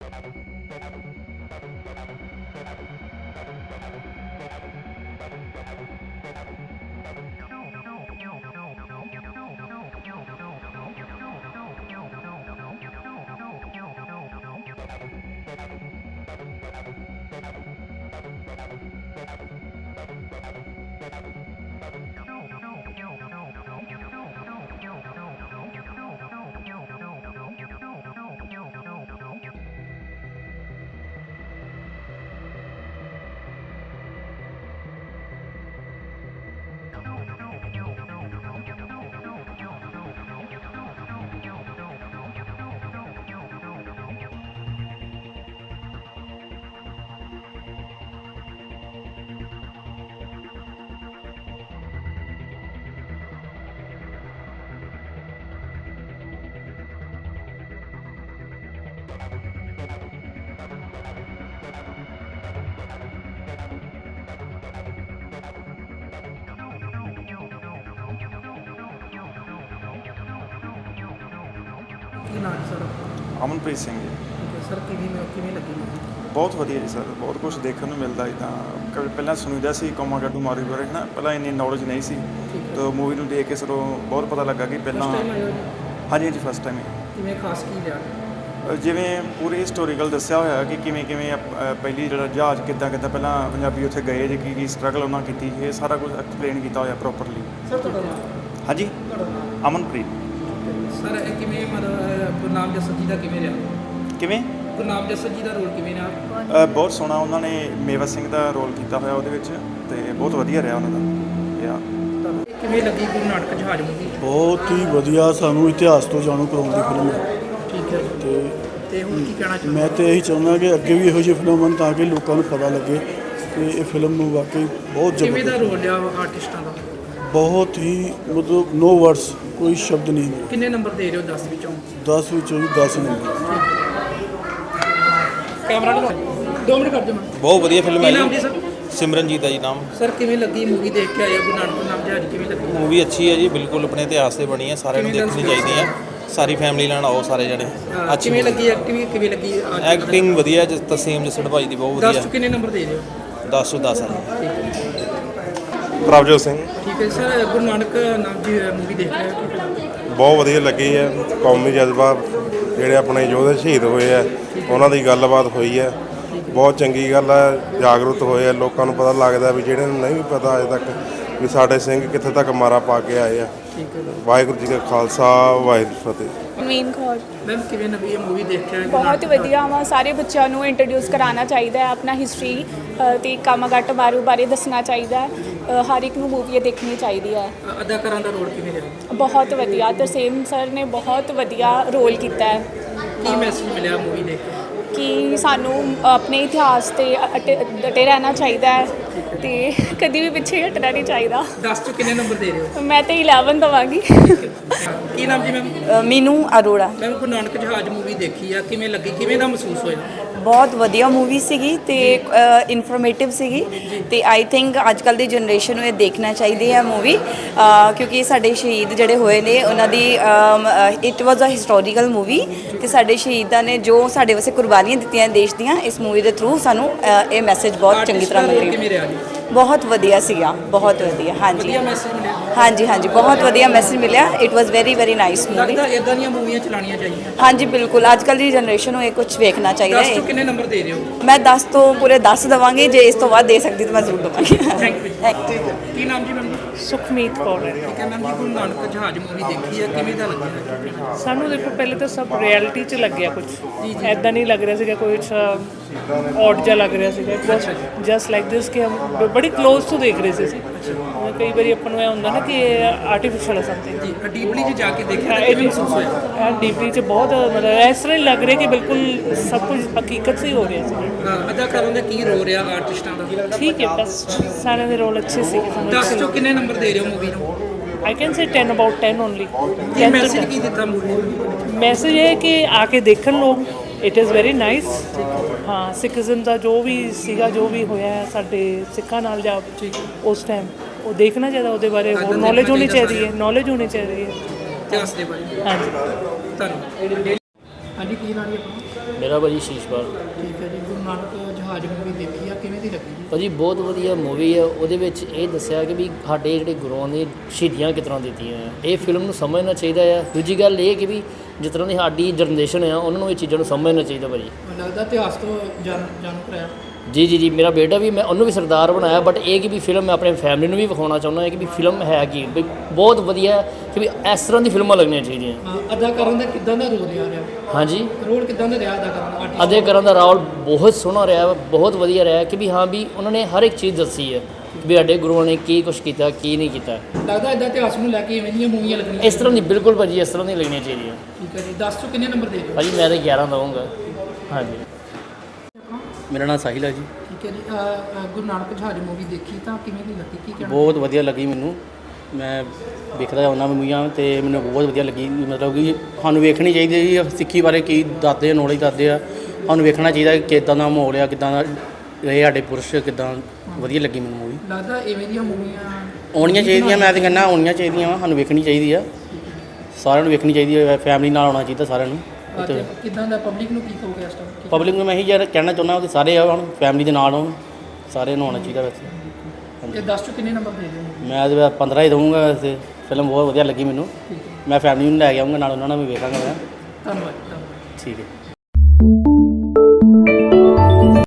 ਕੀ ਨਾਮ ਸਰ? ਅਮਨਪ੍ਰੀਤ ਸਿੰਘ ਜੀ। ਠੀਕ ਹੈ ਸਰ, ਕਿਵੇਂ ਲੱਗੀ ਮੂਵੀ? ਬਹੁਤ ਵਧੀਆ ਜੀ ਸਰ, ਬਹੁਤ ਕੁਝ ਦੇਖਣ ਨੂੰ ਮਿਲਦਾ ਇੱਦਾਂ। ਪਹਿਲਾਂ ਸੁਣੀਦਾ ਸੀ ਕੋਮਾਗਾਟੂ ਮਾਰੂ ਬਾਰੇ, ਹੈ ਨਾ, ਪਹਿਲਾਂ ਇੰਨੀ ਨੌਲੇਜ ਨਹੀਂ ਸੀ। ਤਾਂ ਮੂਵੀ ਨੂੰ ਦੇਖ ਕੇ ਸਰ ਬਹੁਤ ਪਤਾ ਲੱਗਾ ਕਿ ਪਹਿਲਾਂ ਹਾਂਜੀ ਹਾਂਜੀ ਫਸਟ ਟਾਈਮ ਹੀ। ਕਿਵੇਂ ਖਾਸ ਕੀ ਲਿਆ? ਜਿਵੇਂ ਪੂਰੀ ਹਿਸਟੋਰੀਕਲ ਦੱਸਿਆ ਹੋਇਆ ਕਿ ਕਿਵੇਂ ਪਹਿਲੀ ਜਿਹੜਾ ਜਹਾਜ਼ ਕਿੱਦਾਂ ਪਹਿਲਾਂ ਪੰਜਾਬੀ ਉੱਥੇ ਗਏ ਜੇ ਕੀ ਸਟਰਗਲ ਉਹਨਾਂ ਕੀਤੀ, ਇਹ ਸਾਰਾ ਕੁਝ ਐਕਸਪਲੇਨ ਕੀਤਾ ਹੋਇਆ ਪ੍ਰੋਪਰਲੀ। ਸਰ ਤੁਹਾਡਾ ਨਾਮ? ਹਾਂਜੀ ਤੁਹਾਡਾ ਨਾਮ? ਅਮਨਪ੍ਰੀਤ। ਸਰ ਇਹ ਕਿਵੇਂ ਮਤਲਬ ਗੁਰਨਾਮ ਜੱਸਰ ਜੀ ਦਾ ਕਿਵੇਂ ਰਿਹਾ? ਕਿਵੇਂ ਗੁਰਨਾਮ ਜੱਸਰ ਜੀ ਦਾ ਰੋਲ ਕਿਵੇਂ ਰਿਹਾ? ਬਹੁਤ ਸੋਹਣਾ, ਉਹਨਾਂ ਨੇ ਮੇਵਾ ਸਿੰਘ ਦਾ ਰੋਲ ਕੀਤਾ ਹੋਇਆ ਉਹਦੇ ਵਿੱਚ, ਅਤੇ ਬਹੁਤ ਵਧੀਆ ਰਿਹਾ ਉਹਨਾਂ ਦਾ। ਕਿਵੇਂ ਲੱਗੀ ਗੁਰੂ ਨਾਨਕ ਜਹਾਜ਼ ਮੂਵੀ? ਬਹੁਤ ਹੀ ਵਧੀਆ, ਸਾਨੂੰ ਇਤਿਹਾਸ ਤੋਂ ਜਾਣੂ ਕਰਾਉਣ ਦੀ ਫਿਲਮ ਹੈ। ਠੀਕ ਹੈ। ਤੇ ਹੁਣ ਕੀ ਕਹਿਣਾ ਚਾਹੁੰਦੇ? ਮੈਂ ਤਾਂ ਇਹੀ ਚਾਹੁੰਦਾ ਕਿ ਅੱਗੇ ਵੀ ਇਹੋ ਜਿਹੀ ਫਿਲਮ ਹੋਣ ਤਾਂ ਕਿ ਲੋਕਾਂ ਨੂੰ ਪਤਾ ਲੱਗੇ ਕਿ ਇਹ ਫਿਲਮ ਨੂੰ ਵਾਕਈ ਬਹੁਤ ਕਿਵੇਂ ਦਾ ਜ਼ਬਰਦਸਤ, ਰੋਲ ਲਿਆ ਆਰਟਿਸਟਾਂ ਦਾ? ਬਹੁਤ ਹੀ ਮਤਲਬ ਨੋ ਵਰਡਸ, ਕੋਈ ਸ਼ਬਦ ਨਹੀਂ। ਕਿੰਨੇ ਨੰਬਰ ਦੇ ਰਹੇ ਹੋ 10 ਵਿੱਚੋਂ? 10 ਵਿੱਚੋਂ ਵੀ 10 ਨੰਬਰ। ਕੈਮਰਾ ਨੂੰ 2 ਮਿੰਟ ਕਰ ਦਿਓ। ਬਹੁਤ ਵਧੀਆ ਫਿਲਮ ਹੈ ਕੀ ਨਾਮ ਜੀ ਸਰ? ਸਿਮਰਨਜੀਤ ਹੈ ਜੀ ਨਾਮ। ਸਰ ਕਿਵੇਂ ਲੱਗੀ ਮੂਵੀ ਦੇਖ ਕੇ ਆਏ ਗੁਰੂ ਨਾਨਕ ਜਹਾਜ਼ ਕਿਵੇਂ ਲੱਗੀ? ਮੂਵੀ ਅੱਛੀ ਹੈ ਜੀ, ਬਿਲਕੁਲ ਆਪਣੇ ਇਤਿਹਾਸ ਤੇ ਬਣੀ ਹੈ, ਸਾਰਿਆਂ ਨੂੰ ਦੇਖਣੀ ਚਾਹੀਦੀ ਹੈ। ਸਾਰੀ ਫੈਮਿਲੀ ਨਾਲ ਆਓ ਸਾਰੇ ਜਣੇ। ਅੱਛੀ ਕਿਵੇਂ ਲੱਗੀ ਐਕਟਿੰਗ? ਕਿਵੇਂ ਲੱਗੀ ਐਕਟਿੰਗ ਵਧੀਆ, ਤਸੀਮ ਜਸੜ ਭਾਈ ਦੀ ਬਹੁਤ 10 ਵਧੀਆ। ਤੋਂ ਕਿੰਨੇ ਨੰਬਰ ਦੇ ਰਹੇ ਹੋ? 10 ਤੋਂ 10 ਹੈ। ਪ੍ਰਭਜੋਤ ਸਿੰਘ। ਠੀਕ ਹੈ ਸਰ, ਗੁਰੂ ਨਾਨਕ ਨਾਮ ਦੀ ਮੂਵੀ ਦੇਖ ਰਹੇ ਹੋ? ਬਹੁਤ ਵਧੀਆ ਲੱਗੀ ਹੈ। ਕੌਮੀ ਜਜ਼ਬਾ, ਜਿਹੜੇ ਆਪਣੇ ਯੋਧੇ ਸ਼ਹੀਦ ਹੋਏ ਆ ਉਹਨਾਂ ਦੀ ਗੱਲਬਾਤ ਹੋਈ ਹੈ। ਬਹੁਤ ਚੰਗੀ ਗੱਲ ਹੈ, ਜਾਗਰੂਕ ਹੋਏ ਆ, ਲੋਕਾਂ ਨੂੰ ਪਤਾ ਲੱਗਦਾ ਵੀ ਜਿਹੜੇ ਨੂੰ ਨਹੀਂ ਵੀ ਪਤਾ ਅਜੇ ਤੱਕ ਵੀ ਸਾਡੇ ਸਿੰਘ ਕਿੱਥੇ ਤੱਕ ਮਾਰਾ ਪਾ ਕੇ ਆਏ ਆ। ਵਾਹਿਗੁਰੂ ਜੀ ਕਾ ਖਾਲਸਾ, ਵਾਹਿਗੁਰੂ ਫਤਿਹ। ਨਵੀਨ ਕੌਰ। ਮੈਮ ਕਿਵੇਂ ਲੱਗੀ ਇਹ ਮੂਵੀ ਦੇਖ ਕੇ? ਬਹੁਤ ਵਧੀਆ ਵਾ, ਸਾਰੇ ਬੱਚਿਆਂ ਨੂੰ ਇੰਟਰੋਡਿਊਸ ਕਰਾਉਣਾ ਚਾਹੀਦਾ ਹੈ, ਆਪਣਾ ਹਿਸਟਰੀ ਤੇ ਕਾਮਾਗਾਟ ਮਾਰੂ ਬਾਰੇ ਦੱਸਣਾ ਚਾਹੀਦਾ ਹੈ। ਹਰ ਇੱਕ ਨੂੰ ਮੂਵੀ ਦੇਖਣੀ ਚਾਹੀਦੀ ਹੈ। ਅਦਾਕਾਰਾਂ ਦਾ ਰੋਲ ਕਿਵੇਂ ਰਿਹਾ? ਬਹੁਤ ਵਧੀਆ, ਤਰਸੇਮ ਸਰ ਨੇ ਬਹੁਤ ਵਧੀਆ ਰੋਲ ਕੀਤਾ ਹੈ। ਕੀ ਮੈਸੇਜ ਮਿਲਿਆ ਮੂਵੀ ਦੇਖ ਕੇ? ਕਿ ਸਾਨੂੰ ਆਪਣੇ ਇਤਿਹਾਸ ਤੇ ਡਟੇ ਰਹਿਣਾ ਚਾਹੀਦਾ ਹੈ ਤੇ ਕਦੀ ਵੀ ਪਿੱਛੇ ਹਟਣਾ ਨਹੀਂ ਚਾਹੀਦਾ। 10 ਤੋਂ ਕਿੰਨੇ ਨੰਬਰ ਦੇ ਰਹੇ ਹੋ? ਮੈਂ ਤਾਂ 11 ਦੇਵਾਂਗੀ। ਕੀ ਨਾਮ ਜੀ ਮੈਮ? ਮੀਨੂ ਅਰੋੜਾ। ਮੈਮ ਗੁਰੂ ਨਾਨਕ ਜਹਾਜ਼ ਮੂਵੀ ਦੇਖੀ ਆ, ਕਿਵੇਂ ਲੱਗੀ? ਕਿਵੇਂ ਦਾ ਮਹਿਸੂਸ ਹੋਇਆ? ਬਹੁਤ ਵਧੀਆ ਮੂਵੀ ਸੀਗੀ ਤੇ ਇਨਫੋਰਮੇਟਿਵ ਸੀਗੀ ਤੇ ਆਈ ਥਿੰਕ ਅੱਜ ਕੱਲ੍ਹ ਦੀ ਜਨਰੇਸ਼ਨ ਨੂੰ ਇਹ ਦੇਖਣਾ ਚਾਹੀਦੀ ਹੈ ਮੂਵੀ, ਕਿਉਂਕਿ ਸਾਡੇ ਸ਼ਹੀਦ ਜਿਹੜੇ ਹੋਏ ਨੇ ਉਹਨਾਂ ਦੀ it was a historical movie ਤੇ ਸਾਡੇ ਸ਼ਹੀਦਾਂ ਨੇ ਜੋ ਸਾਡੇ ਵਾਸਤੇ ਕੁਰਬਾਨੀਆਂ ਦਿੱਤੀਆਂ ਦੇਸ਼ ਦੀਆਂ, ਇਸ ਮੂਵੀ ਦੇ ਥਰੂ ਸਾਨੂੰ ਇਹ ਮੈਸੇਜ ਬਹੁਤ ਚੰਗੀ ਤਰ੍ਹਾਂ ਮਿਲ ਕਿਵੇਂ ਰਿਹਾ ਜੀ? ਬਹੁਤ ਵਧੀਆ ਸੀਗਾ, ਬਹੁਤ ਵਧੀਆ। ਹਾਂਜੀ ਵਧੀਆ ਮੈਸੇਜ ਮਿਲਿਆ? ਹਾਂਜੀ ਹਾਂਜੀ, ਬਹੁਤ ਵਧੀਆ ਮੈਸੇਜ ਮਿਲਿਆ। It was very nice movie. ਲੱਗਦਾ ਇਦਾਂ ਦੀਆਂ ਮੂਵੀਆਂ ਚਲਾਉਣੀਆਂ ਚਾਹੀਦੀਆਂ। ਹਾਂਜੀ ਬਿਲਕੁਲ, ਅੱਜ ਕੱਲ੍ਹ ਦੀ ਜਨਰੇਸ਼ਨ ਨੂੰ ਇਹ ਕੁਝ ਵੇਖਣਾ ਚਾਹੀਦਾ 10 ਤੋਂ ਹੈ। ਕਿੰਨੇ ਨੰਬਰ ਦੇ ਰਹੇ ਹੋ? ਮੈਂ 10 ਤੋਂ ਪੂਰੇ 10 ਦੇਵਾਂਗੀ, ਜੇ ਇਸ ਤੋਂ ਬਾਅਦ ਦੇ ਸਕਦੀ ਤਾਂ ਮੈਂ ਜ਼ਰੂਰ ਦੇਵਾਂਗੀ। Thank you. ਕੀ ਨਾਮ ਜੀ ਮੈਮ? ਸੁਖਮੀਤ ਕੌਰ। ਠੀਕ ਹੈ ਮੈਮ ਜੀ, ਗੁਰੂ ਨਾਨਕ ਜਹਾਜ਼ ਮੂਵੀ ਦੇਖੀ ਹੈ, ਕਿਵੇਂ ਦਾ ਲੱਗਿਆ? ਸਾਨੂੰ ਦੇਖੋ ਪਹਿਲੇ ਤਾਂ ਸਭ ਰਿਐਲਿਟੀ 'ਚ ਲੱਗਿਆ, ਕੁਝ ਐਦਾਂ ਨਹੀਂ ਲੱਗ ਰਿਹਾ ਸੀਗਾ, ਕੋਈ ਔਡ ਜਿਹਾ ਲੱਗ ਰਿਹਾ ਸੀਗਾ। ਜਸਟ ਲਾਈਕ ਦਿਸ ਕਿ ਹਮ ਬੜੀ ਕਲੋਜ਼ ਤੋਂ ਦੇਖ ਰਹੇ ਸੀ ਅਸੀਂ। ਕਈ ਵਾਰੀ ਆਪਾਂ ਨੂੰ ਇਹ ਹੁੰਦਾ ਨਾ ਕਿ ਆਰਟੀਫਿਸ਼ਲ ਹੈ ਸਮਥਿੰਗ। ਜੀ ਡੀਪਲੀ 'ਚ ਜਾ ਕੇ ਦੇਖਿਆ ਤਾਂ ਕਿਵੇਂ ਮਹਿਸੂਸ ਹੋਇਆ? ਡੀਪਲੀ 'ਚ ਬਹੁਤ ਮਤਲਬ ਇਸ ਤਰ੍ਹਾਂ ਹੀ ਲੱਗ ਰਿਹਾ ਕਿ ਬਿਲਕੁਲ ਸਭ ਕੁਝ ਹਕੀਕਤ ਸੇ ਹੋ ਰਿਹਾ ਸੀ। ਅਦਾਕਾਰਾਂ ਦਾ ਕੀ ਰੋ ਰਿਹਾ ਆਰਟਿਸਟਾਂ ਦਾ? ਠੀਕ ਹੈ, ਬਸ ਸਾਰਿਆਂ ਦੇ ਰੋਲ ਅੱਛੇ ਸੀ। 10 ਤੋਂ ਕਿੰਨੇ ਨੰਬਰ ਦੇ ਰਹੇ ਹੋ ਮੂਵੀ ਨੂੰ? I can say 10 about 10 only. ਕੀ ਮੈਸੇਜ ਕੀ ਦਿੱਤਾ ਮੂਵੀ ਨੂੰ? ਮੈਸੇਜ ਇਹ ਹੈ ਕਿ ਆ ਕੇ ਦੇਖਣ ਲੋਕ, ਇਟ ਇਜ਼ ਵੈਰੀ ਨਾਈਸ। ਹਾਂ, ਸਿੱਖੀਜ਼ਮ ਦਾ ਜੋ ਵੀ ਸੀਗਾ, ਜੋ ਵੀ ਹੋਇਆ ਸਾਡੇ ਸਿੱਖਾਂ ਨਾਲ ਜਾਂ ਉਸ ਟਾਈਮ, ਉਹ ਦੇਖਣਾ ਚਾਹੀਦਾ, ਉਹਦੇ ਬਾਰੇ ਹੋਰ ਨੌਲੇਜ ਹੋਣੀ ਚਾਹੀਦੀ ਹੈ, ਨੌਲੇਜ ਹੋਣੀ ਚਾਹੀਦੀ ਹੈ ਇਤਿਹਾਸ ਦੇ ਬਾਰੇ। ਹਾਂਜੀ ਧੰਨਵਾਦ। ਹਾਂਜੀ ਕੀ ਨਾਮ ਹੈ ਆਪਣਾ? ਮੇਰਾ ਭਾਜੀ ਸ਼ੀਸ਼ਪਾਲ। ਠੀਕ ਹੈ ਜੀ, ਗੁਰੂ ਨਾਨਕ ਜਹਾਜ਼ ਮੂਵੀ ਦੇਖੀ ਆ, ਕਿਵੇਂ ਦੀ ਲੱਗੀ ਜੀ? ਭਾਜੀ ਬਹੁਤ ਵਧੀਆ ਮੂਵੀ ਹੈ। ਉਹਦੇ ਵਿੱਚ ਇਹ ਦੱਸਿਆ ਕਿ ਵੀ ਸਾਡੇ ਜਿਹੜੇ ਗੁਰੂਆਂ ਨੇ ਸ਼ਹੀਦੀਆਂ ਕਿਸ ਤਰ੍ਹਾਂ ਦਿੱਤੀਆਂ ਆ। ਇਹ ਫਿਲਮ ਨੂੰ ਸਮਝਣਾ ਚਾਹੀਦਾ ਆ। ਦੂਜੀ ਗੱਲ ਇਹ ਕਿ ਵੀ ਜਿਸ ਤਰ੍ਹਾਂ ਦੀ ਸਾਡੀ ਜਨਰੇਸ਼ਨ ਆ ਉਹਨਾਂ ਨੂੰ ਇਹ ਚੀਜ਼ਾਂ ਨੂੰ ਸਮਝਣਾ ਚਾਹੀਦਾ ਭਾਜੀ। ਲੱਗਦਾ ਇਤਿਹਾਸ ਤੋਂ ਜਾਣੂ ਕਰਾਇਆ। ਜੀ ਮੇਰਾ ਬੇਟਾ ਵੀ, ਮੈਂ ਉਹਨੂੰ ਵੀ ਸਰਦਾਰ ਬਣਾਇਆ, ਬਟ ਇਹ ਕਿ ਵੀ ਫਿਲਮ ਮੈਂ ਆਪਣੇ ਫੈਮਿਲੀ ਨੂੰ ਵੀ ਵਿਖਾਉਣਾ ਚਾਹੁੰਦਾ ਹਾਂ ਕਿ ਵੀ ਫਿਲਮ ਹੈ ਕੀ ਵੀ ਬਹੁਤ ਵਧੀਆ ਕਿ ਵੀ ਇਸ ਤਰ੍ਹਾਂ ਦੀ ਫਿਲਮਾਂ ਲੱਗਣੀਆਂ ਚਾਹੀਦੀਆਂ। ਅਦਾਕਾਰਾਂ ਦਾ ਕਿੱਦਾਂ ਦਾ ਰੋਲ ਰਿਹਾ? ਹਾਂਜੀ, ਰੋਲ ਕਿੱਦਾਂ ਦਾ ਰਿਹਾ ਅਦਾਕਾਰਾਂ ਦਾ? ਅਦਾਕਾਰਾਂ ਦਾ ਰੋਲ ਬਹੁਤ ਸੋਹਣਾ ਰਿਹਾ, ਬਹੁਤ ਵਧੀਆ ਰਿਹਾ ਕਿ ਵੀ ਹਾਂ ਵੀ ਉਹਨਾਂ ਨੇ ਹਰ ਇੱਕ ਚੀਜ਼ ਦੱਸੀ ਹੈ ਵੀ ਸਾਡੇ ਗੁਰੂਆਂ ਨੇ ਕੀ ਕੁਛ ਕੀਤਾ ਕੀ ਨਹੀਂ ਕੀਤਾ। ਲੱਗਦਾ ਇਦਾਂ ਇਤਿਹਾਸ ਨੂੰ ਲੈ ਕੇ ਇਵੇਂ ਦੀਆਂ ਮੂਵੀਆਂ ਲੱਗਣੀਆਂ ਇਸ ਤਰ੍ਹਾਂ ਦੀ ਬਿਲਕੁਲ ਭਾਜੀ, ਇਸ ਤਰ੍ਹਾਂ ਦੀ ਲੱਗਣੀਆਂ ਚਾਹੀਦੀਆਂ। ਠੀਕ ਹੈ ਜੀ, 10 ਤੋਂ ਕਿੰਨੇ ਨੰਬਰ ਦੇ ਦਿਓ? ਭਾਜੀ ਮੈਂ ਤਾਂ 11 ਦਵਾਂਗਾ। ਹਾਂਜੀ, ਮੇਰਾ ਨਾਮ ਸਾਹਿਲ ਹੈ ਜੀ। ਠੀਕ ਹੈ ਜੀ, ਗੁਰੂ ਨਾਨਕ ਜਹਾਜ਼ ਮੂਵੀ ਦੇਖੀ ਤਾਂ ਕਿਵੇਂ ਦੀ ਲੱਗੀ, ਕੀ ਕਹਿਣਾ? ਬਹੁਤ ਵਧੀਆ ਲੱਗੀ ਮੈਨੂੰ। ਮੈਂ ਵੇਖਦਾ ਉਹਨਾਂ ਮੂਵੀਆਂ ਤੇ ਮੈਨੂੰ ਬਹੁਤ ਵਧੀਆ ਲੱਗੀ। ਮਤਲਬ ਕਿ ਸਾਨੂੰ ਵੇਖਣੀ ਚਾਹੀਦੀ ਹੈ ਜੀ, ਸਿੱਖੀ ਬਾਰੇ ਕੀ ਦੱਸਦੇ ਆ, ਨੌਲੇਜ ਦੱਸਦੇ ਆ। ਸਾਨੂੰ ਵੇਖਣਾ ਚਾਹੀਦਾ ਕਿ ਕਿੱਦਾਂ ਦਾ ਮਾਹੌਲ ਆ, ਕਿੱਦਾਂ ਦਾ ਰਹੇ ਸਾਡੇ ਪੁਰਸ਼, ਕਿੱਦਾਂ ਵਧੀਆ ਲੱਗੀ ਮੈਨੂੰ ਮੂਵੀ। ਲੱਗਦਾ ਇਵੇਂ ਦੀਆਂ ਮੂਵੀਆਂ ਆਉਣੀਆਂ ਚਾਹੀਦੀਆਂ, ਮੈਂ ਤਾਂ ਕਹਿੰਦਾ ਆਉਣੀਆਂ ਚਾਹੀਦੀਆਂ ਵਾ, ਸਾਨੂੰ ਵੇਖਣੀ ਚਾਹੀਦੀ ਆ, ਸਾਰਿਆਂ ਨੂੰ ਵੇਖਣੀ ਚਾਹੀਦੀ ਹੈ, ਫੈਮਿਲੀ ਨਾਲ ਆਉਣਾ ਚਾਹੀਦਾ ਸਾਰਿਆਂ ਨੂੰ। ਕਿੱਦਾਂ ਦਾ ਪਬਲਿਕ ਨੂੰ ਕੀ ਕਹੋਗੇ ਇਸ ਟਾਈਮ? ਪਬਲਿਕ ਨੂੰ ਮੈਂ ਇਹੀ ਯਾਰ ਕਹਿਣਾ ਚਾਹੁੰਦਾ ਕਿ ਸਾਰੇ ਆਉਣ, ਫੈਮਿਲੀ ਦੇ ਨਾਲ ਆਉਣ, ਸਾਰਿਆਂ ਨੂੰ ਆਉਣਾ ਚਾਹੀਦਾ। ਵੈਸੇ ਇਹ 10 ਤੋਂ ਕਿੰਨੇ ਨੰਬਰ ਦੇ ਦਿਓ? ਮੈਂ ਤਾਂ 15 ਹੀ ਦਊਂਗਾ। ਵੈਸੇ ਫਿਲਮ ਬਹੁਤ ਵਧੀਆ ਲੱਗੀ ਮੈਨੂੰ। ਮੈਂ ਫੈਮਿਲੀ ਨੂੰ ਲੈ ਕੇ ਆਊਂਗਾ ਨਾਲ, ਉਹਨਾਂ ਨਾਲ ਵੀ ਵੇਖਾਂਗਾ ਮੈਂ। ਧੰਨਵਾਦ। ਠੀਕ ਹੈ।